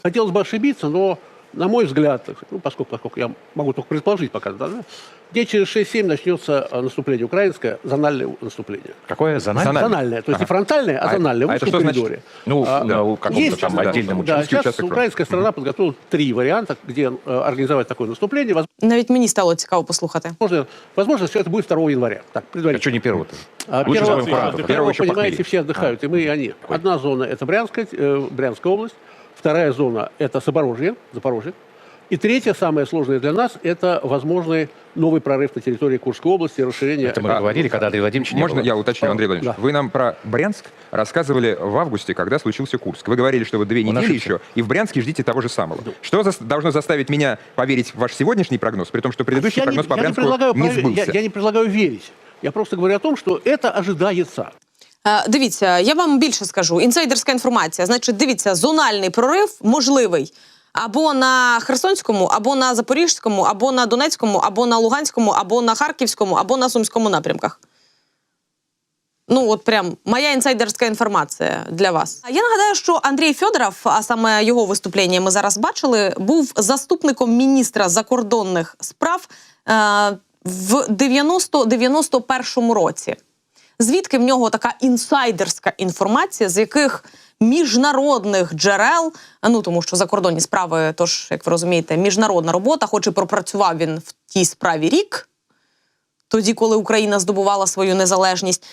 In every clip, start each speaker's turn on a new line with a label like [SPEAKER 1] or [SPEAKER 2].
[SPEAKER 1] Хотелось бы ошибиться, но, на мой взгляд, ну, поскольку я могу только предположить пока, да, где через 6-7 начнется наступление украинское, зональное наступление.
[SPEAKER 2] Какое? Зональное?
[SPEAKER 1] Зональное, то есть не фронтальное, а зональное, в узком коридоре.
[SPEAKER 2] Ну, в каком-то там отдельном участке.
[SPEAKER 1] Да, сейчас украинская сторона подготовила 3 варианта, где организовать такое наступление.
[SPEAKER 3] Навіть мені стало цікаво послухати.
[SPEAKER 1] Возможно, все это будет 2 января. Так,
[SPEAKER 2] А что не 1-го-то?
[SPEAKER 1] Первого, понимаете, все отдыхают, и мы, и они. Одна зона – это Брянская область, вторая зона – это Запорожье. И третья, самая сложная для нас, это возможный новый прорыв на территории Курской области, расширение...
[SPEAKER 2] Это мы говорили, когда Андрей Владимирович не
[SPEAKER 4] Можно
[SPEAKER 2] было.
[SPEAKER 4] я уточню, Андрей Владимирович?
[SPEAKER 1] Да.
[SPEAKER 4] Вы нам про Брянск рассказывали в августе, когда случился Курск. Вы говорили, что вы 2 недели еще, и в Брянске ждите того же самого. Что должно заставить меня поверить в ваш сегодняшний прогноз, при том, что предыдущий прогноз по Брянску не сбылся?
[SPEAKER 1] Я не предлагаю верить. Я просто говорю о том, что это ожидается.
[SPEAKER 3] Дивіться, я вам більше скажу. Інсайдерська інформація. Значить, дивіться, зональний прорив можливий або на Херсонському, або на Запорізькому, або на Донецькому, або на Луганському, або на Харківському, або на Сумському напрямках. Ну, от прям моя інсайдерська інформація для вас. Я нагадаю, що Андрій Федоров, а саме його виступлення ми зараз бачили, був заступником міністра закордонних справ в 91-му році. Звідки в нього така інсайдерська інформація, з яких міжнародних джерел, ну тому що закордонні справи, тож, як ви розумієте, міжнародна робота, хоч і пропрацював він в тій справі рік, тоді, коли Україна здобувала свою незалежність,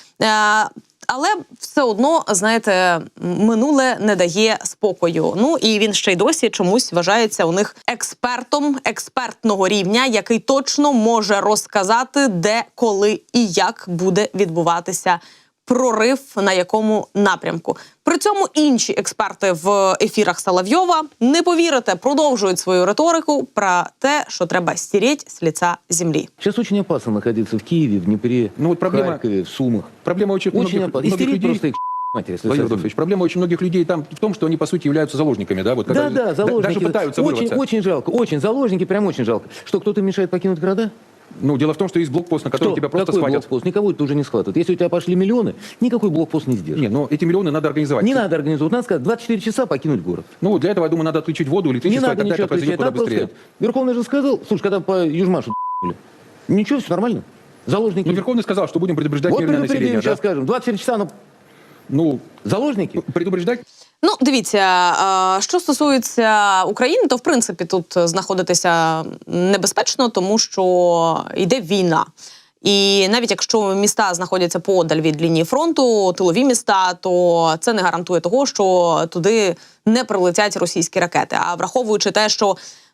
[SPEAKER 3] але все одно, знаєте, минуле не дає спокою. Ну і він ще й досі чомусь вважається у них експертом експертного рівня, який точно може розказати, де, коли і як буде відбуватися прорив на якому напрямку. При цьому інші експерти в ефірах Соловйова, не повірите, продовжують свою риторику про те, що треба стереть з лица землі.
[SPEAKER 5] Сейчас очень опасно находиться в Киеве, в Днепре,
[SPEAKER 6] Ну, вот проблема-
[SPEAKER 5] в Харькове, в Сумах.
[SPEAKER 6] Проблема очень
[SPEAKER 5] Опасно. И стереть
[SPEAKER 6] людей...
[SPEAKER 5] просто их матери, если
[SPEAKER 6] Владимир
[SPEAKER 5] совсем.
[SPEAKER 6] Владимирович, проблема очень многих людей там в том, что они, по сути, являются заложниками, да? Вот, когда
[SPEAKER 5] Да, заложники.
[SPEAKER 6] Даже пытаются вырваться.
[SPEAKER 5] Очень жалко, очень. Заложники прям очень жалко. Что, кто-то мешает покинуть города?
[SPEAKER 6] Ну, дело в том, что есть блокпост, на котором тебя просто
[SPEAKER 5] Какой
[SPEAKER 6] схватят.
[SPEAKER 5] блокпост? Никого это уже не схватывает. Если у тебя пошли миллионы, никакой блокпост не сдержит.
[SPEAKER 6] Не, но эти миллионы надо организовать.
[SPEAKER 5] Не надо организовать. Надо сказать, 24 часа покинуть город.
[SPEAKER 6] Ну, для этого, я думаю, надо отключить воду,
[SPEAKER 5] Не
[SPEAKER 6] электричество, и
[SPEAKER 5] надо
[SPEAKER 6] тогда
[SPEAKER 5] ничего
[SPEAKER 6] это произойдет
[SPEAKER 5] отключать.
[SPEAKER 6] куда
[SPEAKER 5] Надо просто
[SPEAKER 6] быстрее.
[SPEAKER 5] сказать. Верховный же сказал, слушай, когда по Южмашу ничего, все нормально. Заложники.
[SPEAKER 6] Ну, Верховный сказал, что будем предупреждать
[SPEAKER 5] Вот
[SPEAKER 6] мирное
[SPEAKER 5] предупредим,
[SPEAKER 6] население,
[SPEAKER 5] сейчас
[SPEAKER 6] да?
[SPEAKER 5] скажем. 24 часа,
[SPEAKER 6] Ну,
[SPEAKER 5] заложники.
[SPEAKER 6] предупреждать?
[SPEAKER 3] Ну, дивіться, що стосується України, то, в принципі, тут знаходитися небезпечно, тому що йде війна. І навіть якщо міста знаходяться подаль від лінії фронту, тилові міста, то це не гарантує того, що туди не прилетять російські ракети. А враховуючи те, що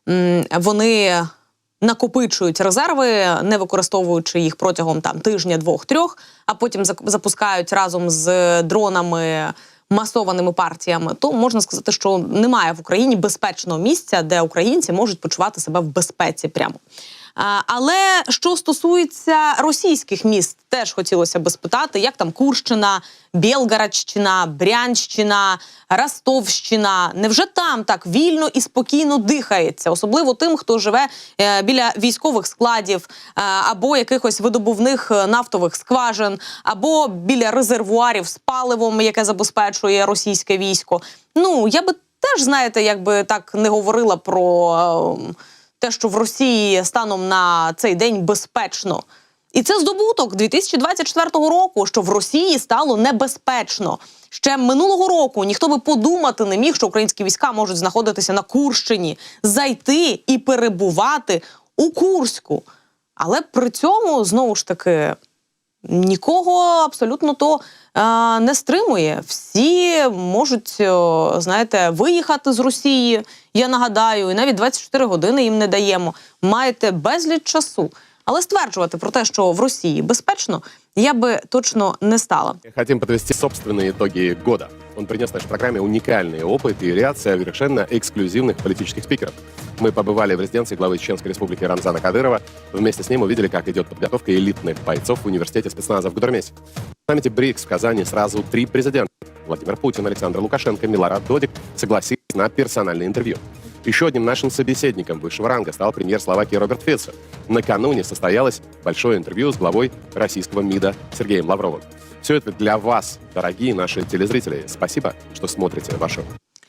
[SPEAKER 3] вони накопичують резерви, не використовуючи їх протягом тижня, 2-3, а потім запускають разом з дронами масованими партіями, то можна сказати, що немає в Україні безпечного місця, де українці можуть почувати себе в безпеці прямо. Але що стосується російських міст, теж хотілося б спитати, як там Курщина, Білгородщина, Брянщина, Ростовщина. Невже там так вільно і спокійно дихається? Особливо тим, хто живе біля військових складів, або якихось видобувних нафтових скважин, або біля резервуарів з паливом, яке забезпечує російське військо. Ну, я би теж, знаєте, якби так не говорила про те, що в Росії станом на цей день безпечно. І це здобуток 2024 року, що в Росії стало небезпечно. Ще минулого року ніхто би подумати не міг, що українські війська можуть знаходитися на Курщині, зайти і перебувати у Курську. Але при цьому, знову ж таки, нікого абсолютно то не стримує. Всі можуть, знаєте, виїхати з Росії, я нагадаю, і навіть 24 години їм не даємо. Маєте безліч часу. Але стверджувати про те, що в Росії безпечно, я би точно не стала.
[SPEAKER 7] Хотим подвести собственные итоги года. Он принес нашей программе уникальный опыт и ряд совершенно эксклюзивных политических спикеров. Мы побывали в резиденции главы Чеченской республики Рамзана Кадырова. Вместе с ним увидели, как идет подготовка элитных бойцов в университете спецназа в Гудермесе. В саммите БРИКС в Казани сразу 3 президента. Владимир Путин, Александр Лукашенко, Милорад Додик согласились на персональное интервью. Еще одним нашим собеседником высшего ранга стал премьер Словакии Роберт Фицо. Накануне состоялось большое интервью с главой российского МИДа Сергеем Лавровым. Все это для вас, дорогие наши телезрители. Спасибо, что смотрите ваше.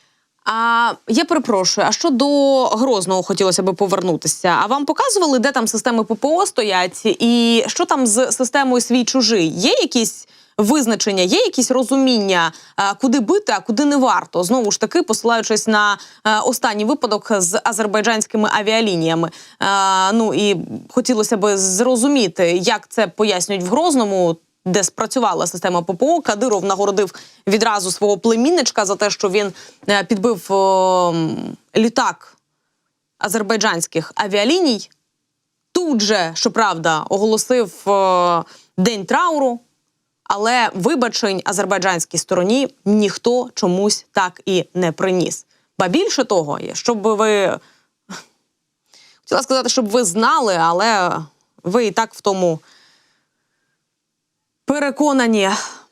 [SPEAKER 3] А я перепрошую, а що до Грозного хотілося би повернутися? А вам показували, де там системи ППО стоять? І що там з системою свій-чужий? Є якісь визначення, є якісь розуміння, куди бити, а куди не варто? Знову ж таки, посилаючись на останній випадок з азербайджанськими авіалініями. Ну і хотілося б зрозуміти, як це пояснюють в Грозному, де спрацювала система ППО. Кадиров нагородив відразу свого племінничка за те, що він підбив літак азербайджанських авіаліній. Тут же, щоправда, оголосив день трауру, але вибачень азербайджанській стороні ніхто чомусь так і не приніс. Ба більше того, щоб ви... Хотіла сказати, щоб ви знали, але ви і так в тому переконані.